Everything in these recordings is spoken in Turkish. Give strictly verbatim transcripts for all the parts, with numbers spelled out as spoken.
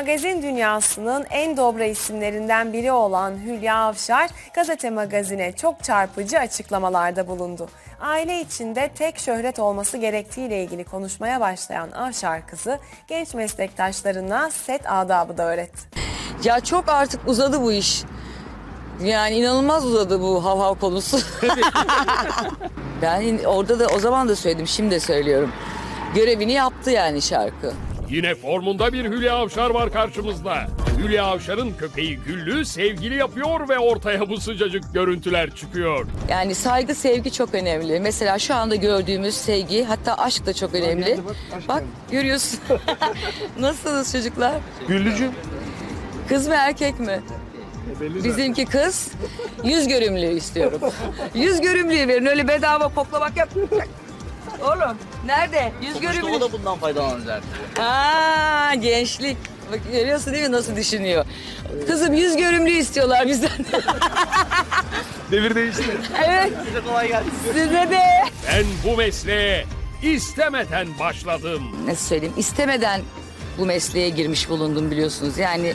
Magazin dünyasının en dobra isimlerinden biri olan Hülya Avşar, Gazete Magazin'e çok çarpıcı açıklamalarda bulundu. Aile içinde tek şöhret olması gerektiğiyle ilgili konuşmaya başlayan Avşar kızı, genç meslektaşlarına set adabı da öğretti. Ya çok artık uzadı bu iş. Yani inanılmaz uzadı bu hav hav konusu. Ben orada da o zaman da söyledim, şimdi de söylüyorum. Görevini yaptı yani şarkı. Yine formunda bir Hülya Avşar var karşımızda. Hülya Avşar'ın köpeği Güllü sevgili yapıyor ve ortaya bu sıcacık görüntüler çıkıyor. Yani saygı, sevgi çok önemli. Mesela şu anda gördüğümüz sevgi, hatta aşk da çok önemli. Bak, bak görüyorsun. Nasılsınız çocuklar? Güllücüğüm. Kız mı erkek mi? Bizimki kız. Yüz görümlüğü istiyorum. Yüz görümlüğü verin, öyle bedava koklamak yap. Oğlum nerede? Yüz görümlüğü. O da bundan faydalanacak. Aa, gençlik. Bak görüyorsun değil mi nasıl düşünüyor? Kızım yüz görümlüğü istiyorlar bizden. Devir değişti. Evet. Size kolay gelsin. Size de. Ben bu mesleğe istemeden başladım. Nasıl söyleyeyim? İstemeden bu mesleğe girmiş bulundum biliyorsunuz. Yani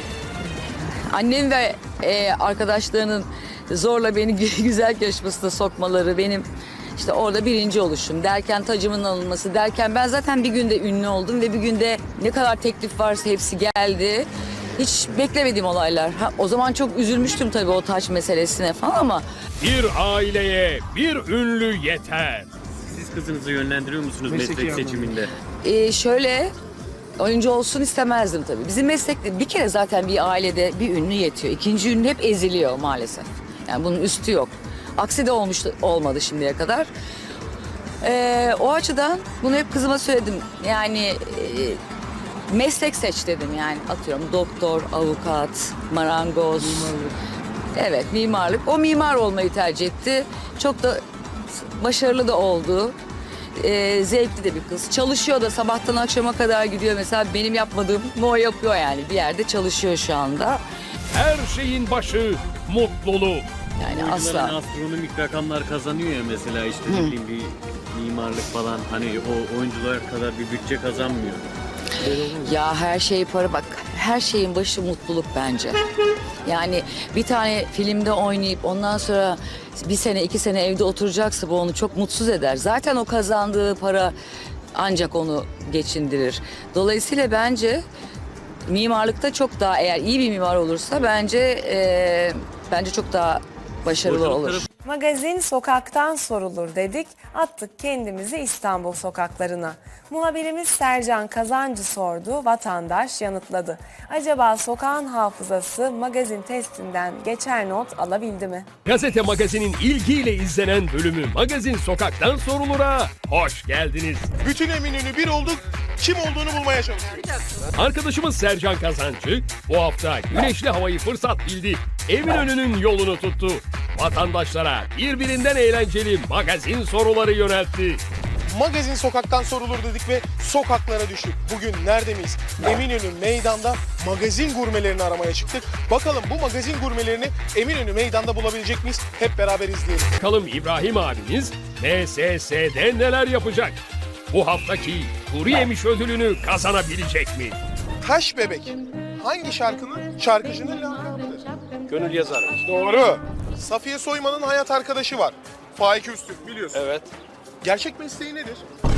annem ve e, arkadaşlarının zorla beni güzel yarışmasına sokmaları, benim işte orada birinci oluşum derken, tacımın alınması derken, ben zaten bir günde ünlü oldum ve bir günde ne kadar teklif varsa hepsi geldi. Hiç beklemediğim olaylar. Ha, o zaman çok üzülmüştüm tabii o taç meselesine falan ama. Bir aileye bir ünlü yeter. Siz kızınızı yönlendiriyor musunuz Mesleki meslek seçiminde? E, şöyle oyuncu olsun istemezdim tabii. Bizim meslekte bir kere zaten bir ailede bir ünlü yetiyor. İkinci ünlü hep eziliyor maalesef. Yani bunun üstü yok. Aksi de olmuştu, olmadı şimdiye kadar. Ee, o açıdan bunu hep kızıma söyledim. Yani e, meslek seç dedim yani. Atıyorum doktor, avukat, marangoz. Mimarlık. Evet, mimarlık. O mimar olmayı tercih etti. Çok da başarılı da oldu. Ee, zevkli de bir kız. Çalışıyor da sabahtan akşama kadar gidiyor. Mesela benim yapmadığım o yapıyor yani. Bir yerde çalışıyor şu anda. Her şeyin başı mutluluk. Yani Oyuncuların asla. astronomik rakamlar kazanıyor ya mesela işte ne bileyim bir mimarlık falan hani o oyuncular kadar bir bütçe kazanmıyor. Ya her şey para, bak her şeyin başı mutluluk bence. Yani bir tane filmde oynayıp ondan sonra bir sene iki sene evde oturacaksa bu onu çok mutsuz eder. Zaten o kazandığı para ancak onu geçindirir. Dolayısıyla bence mimarlıkta çok daha, eğer iyi bir mimar olursa bence e, bence çok daha başarılı Oyunculuk olur. tarafı- Magazin sokaktan sorulur dedik, attık kendimizi İstanbul sokaklarına. Muhabirimiz Sercan Kazancı sordu, vatandaş yanıtladı. Acaba sokağın hafızası magazin testinden geçer not alabildi mi? Gazete Magazin'in ilgiyle izlenen bölümü Magazin Sokaktan Sorulur'a hoş geldiniz. Bütün Eminönü bir olduk. Kim olduğunu bulmaya çalışıyoruz. Arkadaşımız Sercan Kazancı bu hafta güneşli havayı fırsat bildi. Eminönü'nün yolunu tuttu. Vatandaşlara birbirinden eğlenceli magazin soruları yöneltti. Magazin sokaktan sorulur dedik ve sokaklara düştük. Bugün nerede miyiz? Eminönü meydanda magazin gurmelerini aramaya çıktık. Bakalım bu magazin gurmelerini Eminönü meydanda bulabilecek miyiz? Hep beraber izleyelim. Bakalım İbrahim abimiz M S S'de neler yapacak? Bu haftaki kuru yemiş ödülünü kazanabilecek mi? Taş Bebek hangi şarkının şarkıcının lakabıdır? Gönül yazarı. Doğru. Safiye Soyman'ın hayat arkadaşı var. Faik Öztürk biliyorsun. Evet. Gerçek mesleği nedir?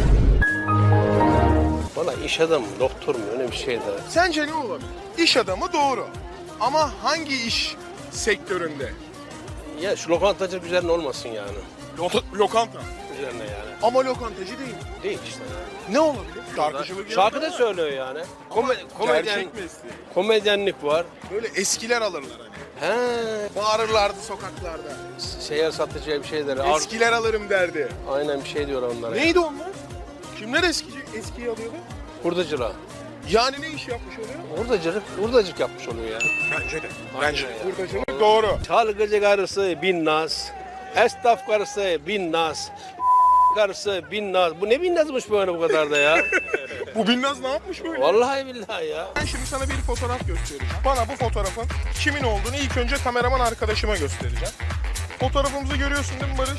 Valla iş adamı, doktor mu öyle bir şey de. Sence ne olabilir? İş adamı doğru. Ama hangi iş sektöründe? Ya şu lokantacılık üzerine olmasın yani. Lo- lokanta. Üzerine yani. Ama lokantacı değil. Değil işte yani. Ne olabilir? Şarkıcılık. Şarkı da söylüyor yani. Kome komedyen, Gerçek mesleği. komedyenlik var. Böyle eskiler alırlar hani. He, Bağırırlardı sokaklarda. seyyar satıcıya bir şey der. Ar- Eskiler alırım derdi. Aynen bir şey diyor onlara. Neydi onlar? Kimler eskici, eskiyi alıyordu? Hurdacılığa. Yani ne iş yapmış oluyor? Hurdacılık, hurdacılık yapmış oluyor ya. Bence de. Aynen Bence de. ya. Hurdacılık doğru. Çalgıcı karısı bin naz. Esnaf karısı bin naz. Karısı bin naz. Bu ne bin nazmış böyle bu kadar da ya? Bu Binnaz ne yapmış böyle? Vallahi billahi ya. Ben şimdi sana bir fotoğraf göstereceğim. Bana bu fotoğrafın kimin olduğunu ilk önce kameraman arkadaşıma göstereceğim. Fotoğrafımızı görüyorsun değil mi Barış?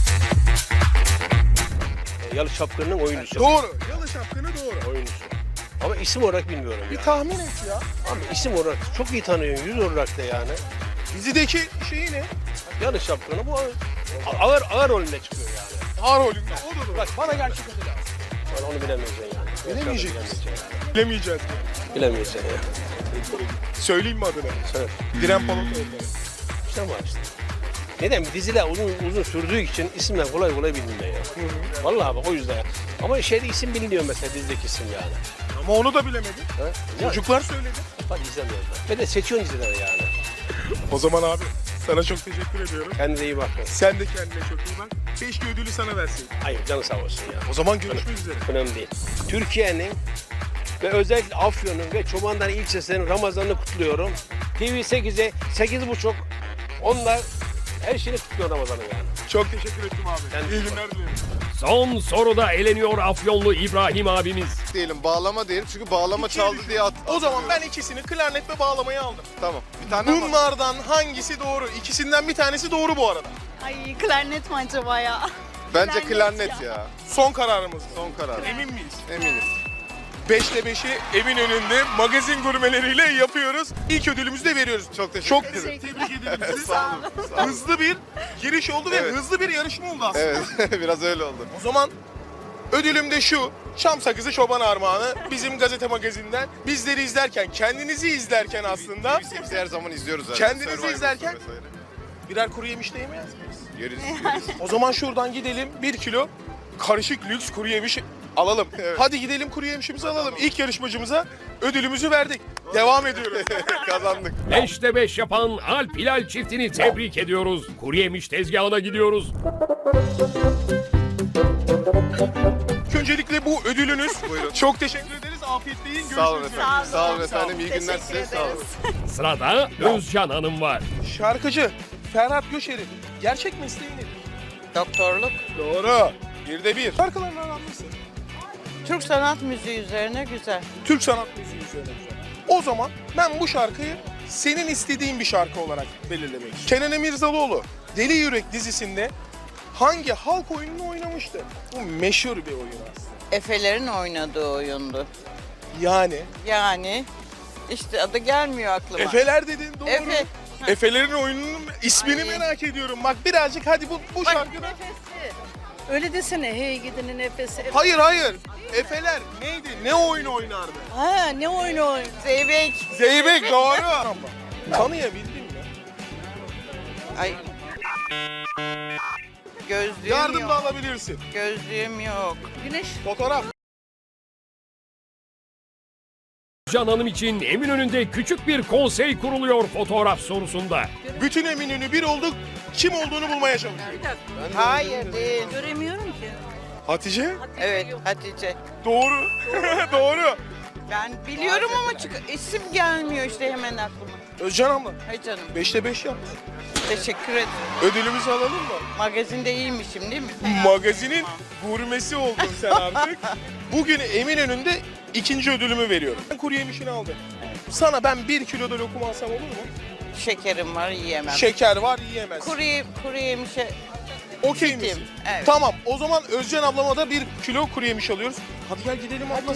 Yalı Çapkın'ın oyuncusu. Doğru. Yalı Şapkını doğru. Oyuncusu. Ama isim olarak bilmiyorum Bir ya. tahmin et ya. Ama isim olarak çok iyi tanıyorum, yüz olarak da yani. Dizideki şeyi ne? Yanlış şapkanı bu ağır ağır rolünde çıkıyor yani. Ağır rolünde. O da doğru. Bak bana gerçek adı lazım. Ben onu bilemeyeceksin yani. Bilemeyecek misin? Bilemeyeceksin yani. Bilemeyeceğiz. Bilemeyeceksin ya. Söyleyeyim mi adını? Söyle. Diren Palatoğlu. İşte var işte. Neden? Diziler uzun uzun sürdüğü için isimler kolay kolay bilinmiyor ya. Vallahi bak o yüzden ya. Ama şeyde isim biliniyor mesela dizideki isim yani. Ama onu da bilemedin. Ha? Ya, Çocuklar söyledi. bak izlemiyorum ben. Ben de seçiyorum dizileri yani. O zaman abi sana çok teşekkür ediyorum. Kendine iyi bakın. Sen de kendine çok iyi bak. Keşke ödülü sana versin. Hayır canı sağ olsun ya. O zaman görüşmek üzere. Önemli değil. Türkiye'nin ve özellikle Afyon'un ve Çobanlar ilçesinin Ramazan'ını kutluyorum. T V sekize, sekiz buçuk onlar her şeyini kutluyor Ramazan'ın yani. Çok teşekkür ettim abi. Ben- İyi günler dilerim. Son soruda eleniyor Afyonlu İbrahim abimiz. Diyelim bağlama diyelim çünkü bağlama çaldı diye at. O zaman ben ikisini klarnet ve bağlamayı aldım. Tamam. Bir tane ama. Bunlardan hangisi doğru? İkisinden bir tanesi doğru bu arada. Ay klarnet mi acaba ya? Bence klarnet klarnet ya. ya. Son kararımız. Son karar. Emin miyiz? Eminiz. beşte beşi Eminönü'nde magazin gurmeleriyle yapıyoruz. İlk ödülümüzü de veriyoruz. Çok teşekkür Çok ederim. tebrik ederim sizi. Sağ olun. Sağ olun. Hızlı bir giriş oldu ve Evet. hızlı bir yarışma oldu aslında. Evet, biraz öyle oldu. O zaman ödülüm de şu. Çam sakızı çoban armağanı bizim gazete magazinden. Bizleri izlerken, kendinizi izlerken aslında Biz her zaman izliyoruz zaten. Kendinizi Survivor izlerken- vesaire. birer kuru yemiş de yemez miyiz? Yeriz, yeriz. O zaman şuradan gidelim bir kilo karışık lüks kuru yemiş alalım. Evet. Hadi gidelim kuru yemişimizi alalım. İlk yarışmacımıza ödülümüzü verdik. Devam ediyoruz. Kazandık. Beşte beş yapan Alp Hilal çiftini tebrik ediyoruz. Kuru yemiş tezgahına gidiyoruz. Öncelikle bu ödülünüz. Buyurun. Çok teşekkür ederiz. Afiyetle yiyin. Sağ olun Görüşmek efendim. üzere. Sağ olun efendim. İyi günler Teşekkür size. Sağ olun. ederiz. Sırada Özcan Hanım var. Şarkıcı Ferhat Göçer'in gerçek mesleği nedir? Doktorluk. Doğru. Bir de bir. Şarkılarını anlamışsın. Türk sanat müziği üzerine güzel. Türk sanat müziği üzerine güzel. O zaman ben bu şarkıyı senin istediğin bir şarkı olarak belirlemek istiyorum. Kenan Emirzalıoğlu Deli Yürek dizisinde hangi halk oyununu oynamıştı? Bu meşhur bir oyun aslında. Efelerin oynadığı oyundu. Yani Yani işte adı gelmiyor aklıma. Efeler dedin doğru. Efe. Efelerin oyununun ismini Ay. merak ediyorum. Bak birazcık hadi bu, bu Bak, şarkıda. Öyle desene hey gidinin nefesi. Hayır hayır. Efeler neydi? Ne oyun oynardı? Ha ne oyunu oyun? Zeybek. Zeybek doğru. Tanıyabildin mi? Ay. Gözlüğüm Yardım yok. da alabilirsin. Gözlüğüm yok. Güneş. Fotoğraf. Can Hanım için Eminönü'nde küçük bir konsey kuruluyor fotoğraf sorusunda. Bütün Eminönü bir olduk. Kim olduğunu bulmaya çalışıyoruz. Hayır değil. Göremiyorum ki. Hatice? Evet Hatice. Doğru. Doğru. Ben biliyorum ama çık isim gelmiyor işte hemen aklıma. Özcan abla. Hay canım. Beşte beş yaptı. Teşekkür ederim. Ödülümüzü alalım mı? Magazinde iyiymişim değil mi? Magazinin gurmesi oldun sen artık. Bugün Eminönü'nde ikinci ödülümü veriyorum. Ben kuru yemişini aldım. Sana ben bir kilo da lokum alsam olur mu? Şekerim var yiyemem. Şeker var yiyemez. Kuru, ye- kuru yemişe Okey fitim, misin? evet. Tamam o zaman Özcan ablama da bir kilo kuru yemiş alıyoruz. Hadi gel gidelim abla.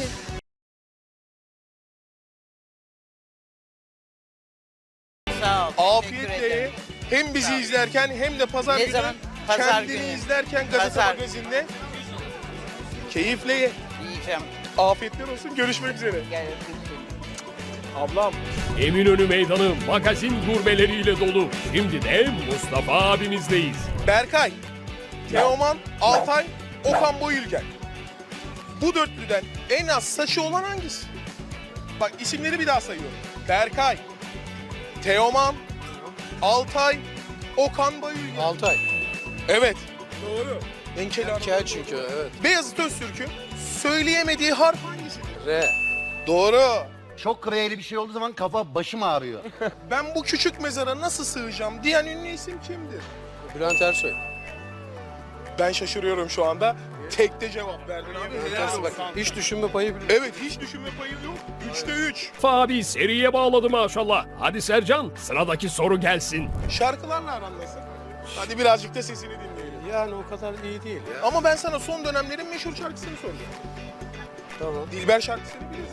sağ ol. Teşekkür Afiyetle ederim. hem bizi Sağ ol. izlerken hem de pazar Ne günü zaman? Pazar kendini günü. izlerken gazete Pazar. magazinde keyifle ye. Yiyeceğim. Afiyetler olsun. Görüşmek üzere. Gel öpeyim. Ablam. Eminönü meydanı magazin gurmeleriyle dolu. Şimdi de Mustafa abimizdeyiz. Berkay, Teoman, Altay, Okan Boyülgen. Bu dörtlüden en az saçı olan hangisi? Bak isimleri bir daha sayıyorum. Berkay, Teoman, Altay, Okan Boyülgen. Altay. Evet. Doğru. Enkeli Kel çünkü evet. Beyazıt Öztürk'ün söyleyemediği harf hangisi? R. Doğru. Çok kreyeli bir şey olduğu zaman kafa başım ağrıyor. Ben bu küçük mezara nasıl sığacağım diyen ünlü isim kimdir? Bülent Ersoy. Ben şaşırıyorum şu anda. Tekte cevap verdin abi. Helal olsun. Bak hiç düşünme payı bile. Evet hiç düşünme payı yok. Üçte üç. Fabi seriye bağladı maşallah. Hadi Sercan sıradaki soru gelsin. Şarkılarla aran nasıl? Hadi birazcık da sesini dinleyelim. Yani o kadar iyi değil ya. Ama ben sana son dönemlerin meşhur şarkısını soracağım. Tamam. Dilber şarkısını biliriz.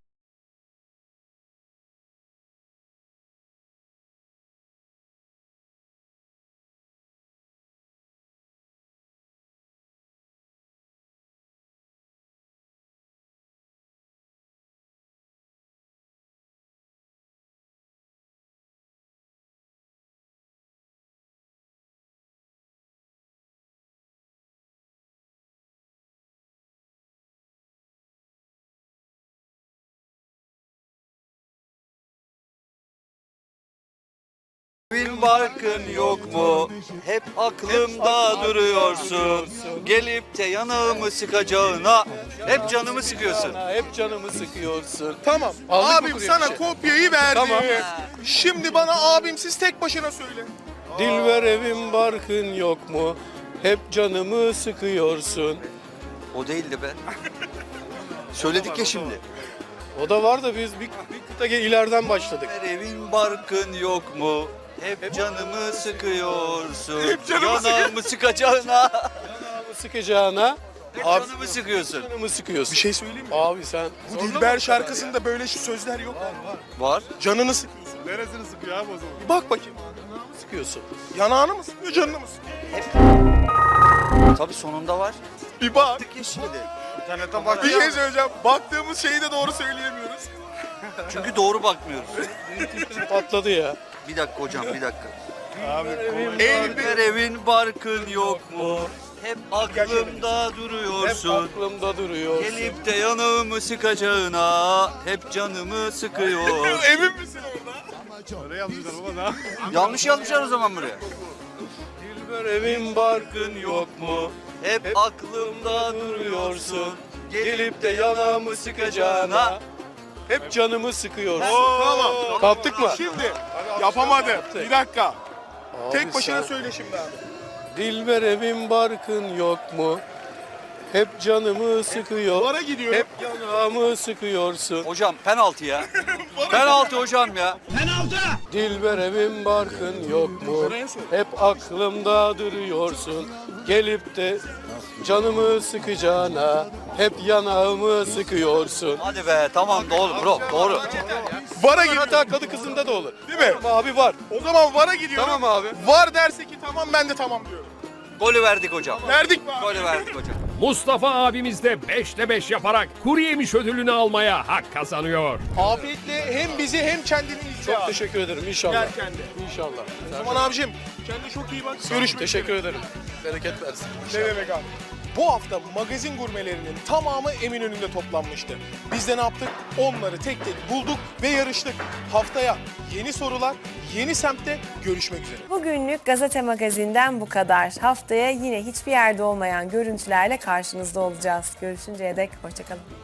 Evin barkın yok mu? Hep aklımda duruyorsun. Gelip de yanağımı sıkacağına hep canımı sıkıyorsun. Hep canımı sıkıyorsun. Tamam. Aldık mı abim buraya sana bir şey? kopyayı verdi. Tamam. Şimdi bana abimsiz tek başına söyle. Dilber evin barkın yok mu? Hep canımı sıkıyorsun. O değildi be. Söyledik ya şimdi. O da var da biz bir, bir kıta gel- ileriden başladık. Evin barkın yok mu? Hep canımı sıkıyorsun. Hep canımı Yanağımı sıkacağına Canımı sıkacağına hep Abi- canımı sıkıyorsun. canımı sıkıyorsun. Bir şey söyleyeyim mi? Abi sen... Bu Dilber şarkısında böyle şu sözler yok. Var. Canını sıkıyorsun. Neresini sıkıyor abi o zaman? Bir bak bakayım. sıkıyorsun. Yanağını mı sıkıyor, canını mı sıkıyor? Tabii sonunda var. Bir bak. Ya şimdi. İnternetten bak. Bir şey söyleyeceğim. Baktığımız şeyi de doğru söyleyemiyoruz. Çünkü doğru bakmıyoruz. Patladı ya. Bir dakika hocam bir dakika. Eğil bir... Her evin barkın yok mu? Hep aklımda Hep duruyorsun. aklımda duruyorsun. Gelip de yanağımı sıkacağına hep canımı sıkıyor. Emin misin orada? Oraya yazmışlar baba da. Yanlış yazmışlar o zaman buraya. Dilber evin barkın yok mu? Hep, Hep aklımda duruyorsun. Gelip de yanağımı sıkacağına hep canımı sıkıyorsun. Tamam. Kaptık mı? Şimdi yapamadı. Bir dakika. Abi Tek başına sen- söyle şimdi abi. Dilber evin barkın yok mu? Hep canımı sıkıyor. Vara gidiyorum. Hep yanağımı sıkıyorsun. Hocam penaltı ya. penaltı hocam ya. Dilber evin barkın yok mu? Hep aklımda duruyorsun. Gelip de canımı sıkacağına hep yanağımı sıkıyorsun. Hadi be tamam doğru bro doğru. Vara Var, gidiyorum. hatta kadı kızında da olur. Değil mi? Tamam abi var. O zaman vara gidiyorum. Tamam abi. Var derse ki tamam, ben de tamam diyorum. Golü verdik hocam. Verdik mi abi? Golü verdik hocam. Mustafa abimiz de beşte beş yaparak kuru yemiş ödülünü almaya hak kazanıyor. Afiyetle hem bizi hem kendini izle Çok abi. teşekkür ederim inşallah. Yerken de. İnşallah. O zaman abicim kendine çok iyi bak. Görüşmek Teşekkür ederim. Bereket versin. Ne demek abi? Bu hafta magazin gurmelerinin tamamı Eminönü'nde toplanmıştı. Biz de ne yaptık? Onları tek tek bulduk ve yarıştık. Haftaya yeni sorular, yeni semtte görüşmek üzere. Bugünlük Gazete Magazin'den bu kadar. Haftaya yine hiçbir yerde olmayan görüntülerle karşınızda olacağız. Görüşünceye dek hoşçakalın.